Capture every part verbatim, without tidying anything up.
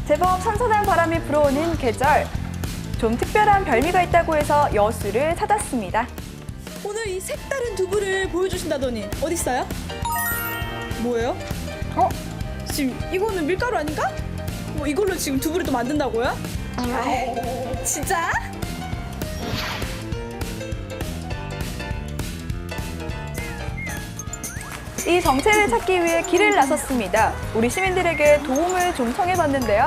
제법 선선한 바람이 불어오는 계절. 좀 특별한 별미가 있다고 해서 여수를 찾았습니다. 오늘 이 색다른 두부를 보여주신다더니 어디 있어요? 뭐예요? 어? 지금 이거는 밀가루 아닌가? 뭐 이걸로 지금 두부를 또 만든다고요? 아, 진짜? 이 정체를 찾기 위해 길을 나섰습니다. 우리 시민들에게 도움을 좀 청해봤는데요.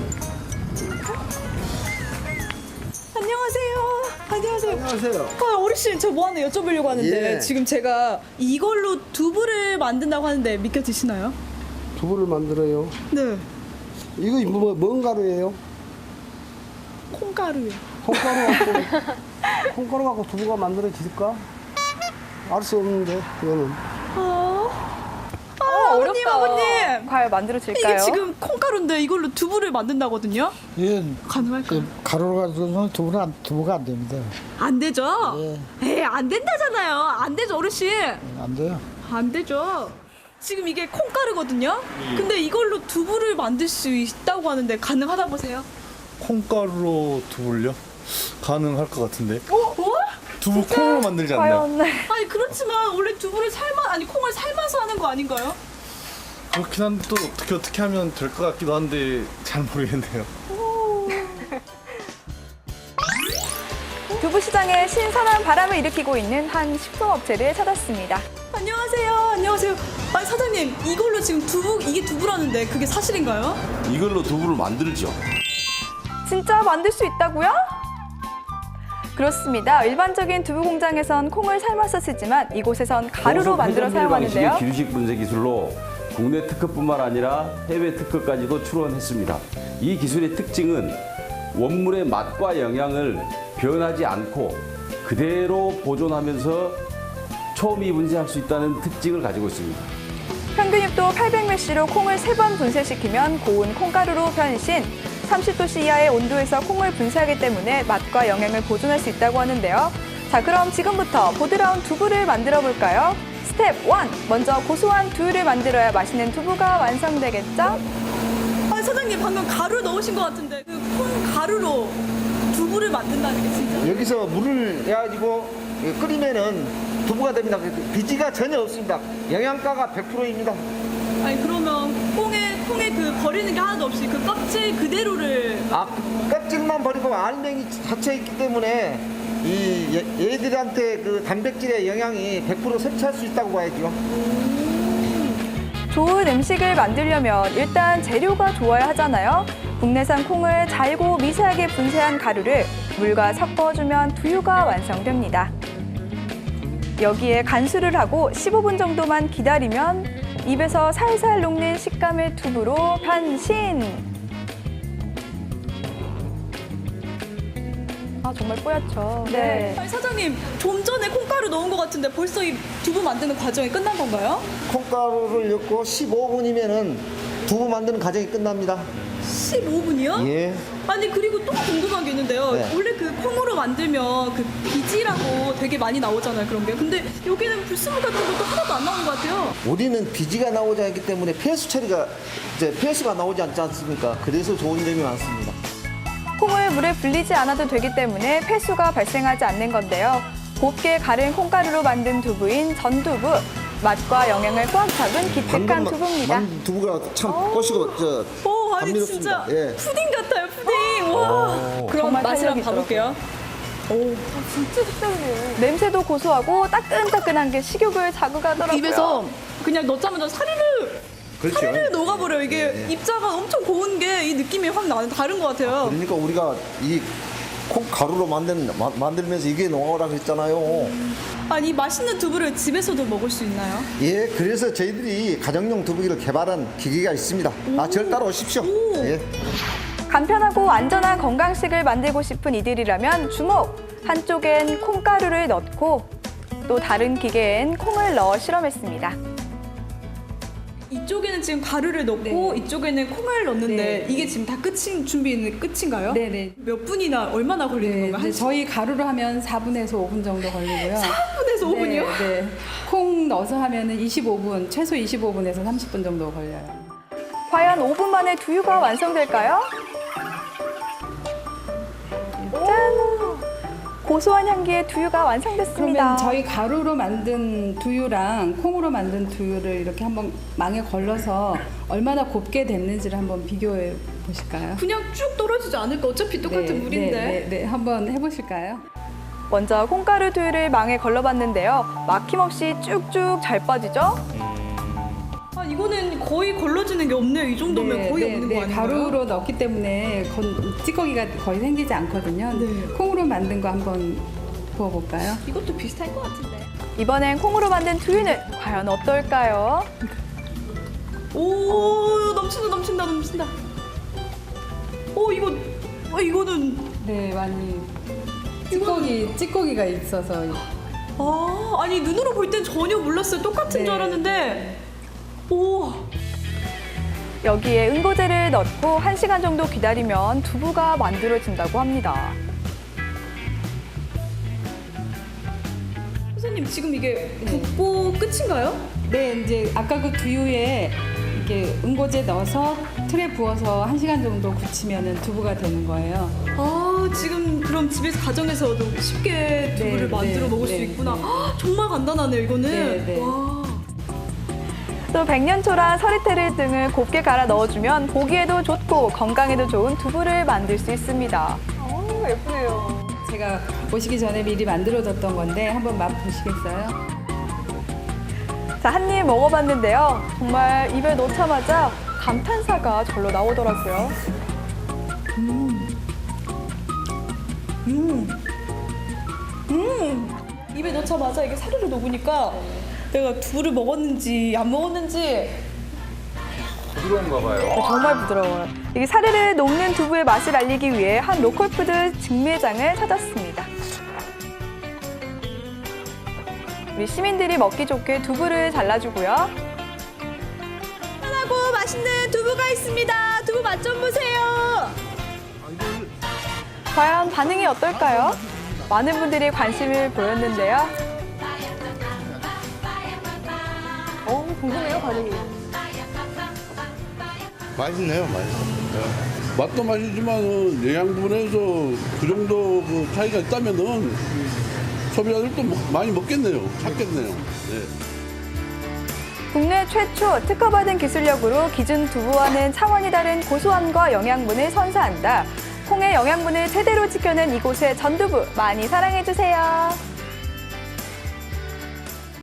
안녕하세요. 안녕하세요. 안녕하세요. 아, 어르신 저 뭐 하나 여쭤보려고 하는데 예. 지금 제가 이걸로 두부를 만든다고 하는데 믿겨 드시나요? 두부를 만들어요. 네. 이거 뭐, 뭔 가루예요? 콩가루요. 콩가루 갖고 콩가루 갖고 두부가 만들어질까? 알 수 없는데 이거는. 아, 아 어, 아버님, 아버님. 과연 만들어질까요? 이게 지금 콩가루인데 이걸로 두부를 만든다거든요. 예, 가능할까요? 그 가루로 가지고는 두부는 안, 두부가 안 됩니다. 안 되죠? 예. 에이, 안 된다잖아요. 안 되죠, 어르신. 안 돼요. 안 되죠. 지금 이게 콩가루거든요. 근데 이걸로 두부를 만들 수 있다고 하는데 가능하다 보세요. 콩가루로 두부를요? 가능할 것 같은데. 어? 어? 두부 콩으로 만들지 않나요? 과연 아니 그렇지만 원래 두부를 삶아 아니 콩을 삶아서 하는 거 아닌가요? 그렇긴 한데 또 어떻게 어떻게 하면 될 것 같기도 한데 잘 모르겠네요. 두부 시장에 신선한 바람을 일으키고 있는 한 식품업체를 찾았습니다. 안녕하세요. 안녕하세요. 아니 사장님 이걸로 지금 두부 이게 두부라는데 그게 사실인가요? 이걸로 두부를 만들죠. 진짜 만들 수 있다고요? 그렇습니다. 일반적인 두부 공장에선 콩을 삶아서 쓰지만 이곳에선 가루로 만들어 사용하는데요. 방식의 기술식 분쇄 기술로 국내 특허뿐만 아니라 해외 특허까지도 출원했습니다. 이 기술의 특징은 원물의 맛과 영양을 변하지 않고 그대로 보존하면서 초미 분쇄할 수 있다는 특징을 가지고 있습니다. 평균 육 도 팔백 밀시로 콩을 세 번 분쇄시키면 고운 콩가루로 변신. 삼십 도씨 이하의 온도에서 콩을 분쇄하기 때문에 맛과 영양을 보존할 수 있다고 하는데요. 자, 그럼 지금부터 보드라운 두부를 만들어 볼까요? 스텝 일. 먼저 고소한 두유를 만들어야 맛있는 두부가 완성되겠죠? 아니 사장님 방금 가루 넣으신 것 같은데 그 콩 가루로 두부를 만든다는 게 진짜? 여기서 물을 해가지고 끓이면은 두부가 됩니다. 비지가 전혀 없습니다. 영양가가 백 퍼센트입니다. 아니 그러면 콩에 콩에 그 버리는 게 하나도 없이 그 껍질 그대로를 아, 껍질만 버리고 알맹이 닫혀 있기 때문에 이 얘- 얘들한테 그 단백질의 영양이 백 퍼센트 섭취할 수 있다고 봐야죠. 좋은 음식을 만들려면 일단 재료가 좋아야 하잖아요. 국내산 콩을 잘고 미세하게 분쇄한 가루를 물과 섞어주면 두유가 완성됩니다. 여기에 간수를 하고 십오 분 정도만 기다리면 입에서 살살 녹는 식감의 두부로 변신! 아, 정말 뽀얗죠? 네. 아니 사장님 좀 전에 콩가루 넣은 것 같은데 벌써 이 두부 만드는 과정이 끝난 건가요? 콩가루를 넣고 십오 분이면은 두부 만드는 과정이 끝납니다. 십오 분이요? 예. 아니 그리고 또 궁금한 게 있는데요. 네. 원래 그 콩으로 만들면 그 비지라고 되게 많이 나오잖아요. 그런 게. 근데 여기는 불순물 같은 것도 하나도 안 나오는 것 같아요. 우리는 비지가 나오지 않기 때문에 폐수 처리가 이제 폐수가 나오지 않지 않습니까? 그래서 좋은 점이 많습니다. 콩을 물에 불리지 않아도 되기 때문에 폐수가 발생하지 않는 건데요. 곱게 가른 콩가루로 만든 두부인 전두부. 맛과 영양을 꽉 잡은 기특한 방금 두부입니다. 만든 두부가 참 꼬시고 저 오, 아니 감미롭습니다. 진짜 예. 푸딩 같아요. 푸딩. 와. 그럼 정말 맛을 탄력이 한번 봐볼게요. 진짜 특별해요. 냄새도 고소하고 따끈따끈한 게 식욕을 자극하더라고요. 입에서 그냥 넣자마자 사리를 그렇죠. 사리를 녹아버려요. 이게 입자가 엄청 고운 게 이 느낌이 확 나는 다른 것 같아요. 그러니까 우리가 이 콩가루로 만든 마- 만들면서 이게 농어라 그랬잖아요. 아니 이 맛있는 두부를 집에서도 먹을 수 있나요? 예, 그래서 저희들이 가정용 두부기를 개발한 기계가 있습니다. 아, 절 따라오십시오. 오. 예. 간편하고 안전한 건강식을 만들고 싶은 이들이라면 주목! 한쪽엔 콩가루를 넣고 또 다른 기계엔 콩을 넣어 실험했습니다. 이쪽에는 지금 가루를 넣고 이쪽에는 콩을 넣는데 네. 이게 지금 다 끝인 준비는 끝인가요? 네네. 몇 분이나 얼마나 걸리는 네, 건가요? 이제 한 저희 가루로 하면 사 분에서 오 분 정도 걸리고요. 삼 분에서 오 분이요? 네, 네. 콩 넣어서 하면은 이십오 분, 최소 이십오 분에서 삼십 분 정도 걸려요. 과연 오 분 만에 두유가 완성될까요? 짠! 고소한 향기의 두유가 완성됐습니다. 그러면 저희 가루로 만든 두유랑 콩으로 만든 두유를 이렇게 한번 망에 걸러서 얼마나 곱게 됐는지를 한번 비교해 보실까요? 그냥 쭉 떨어지지 않을까? 어차피 똑같은 네, 물인데. 네, 네, 네. 한번 해보실까요? 먼저 콩가루 두유를 망에 걸러봤는데요. 막힘없이 쭉쭉 잘 빠지죠? 아, 이거는 거의 걸러지는 게 없네요. 이 정도면 네, 거의 네, 없는 네. 거 아닌가요? 가루로 넣기 때문에 건, 찌꺼기가 거의 생기지 않거든요. 네. 콩으로 만든 거 한번 부어볼까요? 이것도 비슷할 것 같은데. 이번엔 콩으로 만든 두유는 과연 어떨까요? 오, 넘친다, 넘친다, 넘친다. 오, 이거, 어, 이거는, 네, 많이 찌꺼기, 찌꺼기가 있어서 아, 아니, 눈으로 볼 땐 전혀 몰랐어요. 똑같은 네. 줄 알았는데. 오, 여기에 응고제를 넣고 한 시간 정도 기다리면 두부가 만들어진다고 합니다. 선생님, 지금 이게 붓고 끝인가요? 네, 이제 아까 그 두유에 이렇게 응고제 넣어서 틀에 부어서 한 시간 정도 굳히면은 두부가 되는 거예요. 아, 지금 그럼 집에서 가정에서도 쉽게 두부를 네, 만들어 네, 먹을 수 네, 있구나. 네. 아, 정말 간단하네요, 이거는. 네, 네. 와. 또 백년초랑 서리태를 등을 곱게 갈아 넣어주면 보기에도 좋고 건강에도 좋은 두부를 만들 수 있습니다. 오, 예쁘네요. 제가 오시기 전에 미리 만들어뒀던 건데 한번 맛 보시겠어요? 자, 한 입 먹어봤는데요. 정말 입에 넣자마자 감탄사가 절로 나오더라고요. 입에 넣자마자 이게 사르르 녹으니까 내가 두부를 먹었는지 안 먹었는지 부드러운가 봐요. 정말 부드러워요. 이게 사르르 녹는 두부의 맛을 알리기 위해 한 로컬푸드 직매장을 찾았습니다. 우리 시민들이 먹기 좋게 두부를 잘라주고요. 편하고 맛있는 두부가 있습니다. 두부 맛 좀 보세요. 과연 반응이 어떨까요? 많은 분들이 관심을 보였는데요. 어, 궁금해요, 반응이. 맛있네요, 맛있어요. 맛도 맛이지만 영양 부분에서 그 정도 그 차이가 있다면은 소비자들도 먹- 많이 먹겠네요, 찾겠네요. 네. 국내 최초 특허받은 기술력으로 기준 두부와는 차원이 다른 고소함과 영양분을 선사한다. 콩의 영양분을 제대로 지켜낸 이곳의 전두부 많이 사랑해주세요.